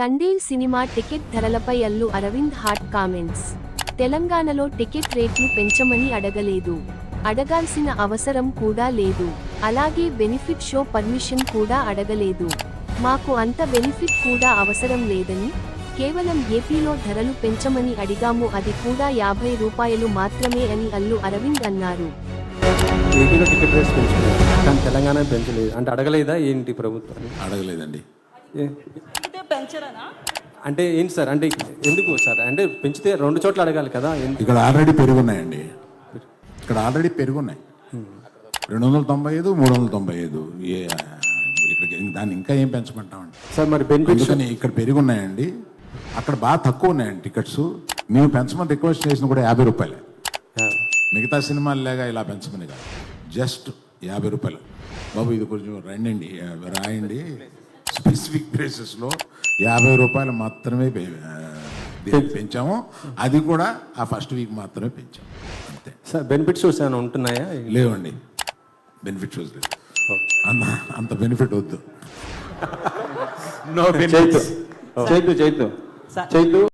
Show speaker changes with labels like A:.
A: Thandel cinema ticket ధరలపై Allu Aravind hot comments. తెలంగాణలో ticket రేట్లు పెంచమని అడగలేదు, అడగాల్సిన అవసరం కూడా లేదు. అలాగే బెనిఫిట్ షో పర్మిషన్ కూడా అడగలేదు. మాకు అంత బెనిఫిట్ కూడా అవసరం లేదని, కేవలం ఏపీలో ధరలు పెంచమని అడిగాము, అది కూడా 50 రూపాయలు మాత్రమే అని అల్లు అరవింద్ అన్నారు.
B: ఏపీలో టికెట్ రేట్స్ పెంచలేదు కానీ తెలంగాణ పెంచలేదు అంటే అడగలేదా ఏంటి ప్రభుత్వాన్ని?
C: అడగలేదండి.
B: అంటే ఏంటి సార్, అంటే ఎందుకు సార్, అంటే పెంచితే 2 చోట్ల అడగాలి కదా.
C: ఇక్కడ ఆల్రెడీ పెరుగున్నాయండి, ఇక్కడ ఆల్రెడీ పెరుగున్నాయి 295, 395. ఇక్కడికి దాన్ని ఇంకా ఏం పెంచమంటామండి
B: సార్? మరి బెనిఫిట్స్
C: ఇక్కడ పెరుగున్నాయండి, అక్కడ బాగా తక్కువ ఉన్నాయండి టికెట్స్. మేము పెంచమని రిక్వెస్ట్ చేసిన కూడా 50 రూపాయలే. మిగతా సినిమాలు లేగా ఇలా పెంచమని కాదు, జస్ట్ 50 రూపాయలు. బాబు ఇది కొంచెం రండి రాయండి, స్పెసిఫిక్ ప్లేసెస్లో 50 రూపాయలు మాత్రమే పెంచాము, అది కూడా ఆ ఫస్ట్ వీక్ మాత్రమే పెంచాము అంతే.
B: సార్ బెనిఫిట్ షోస్ ఏమైనా ఉంటున్నాయా?
C: లేవండి, బెనిఫిట్ షోస్ లేదు, అంత బెనిఫిట్ వద్దు.
B: చైతు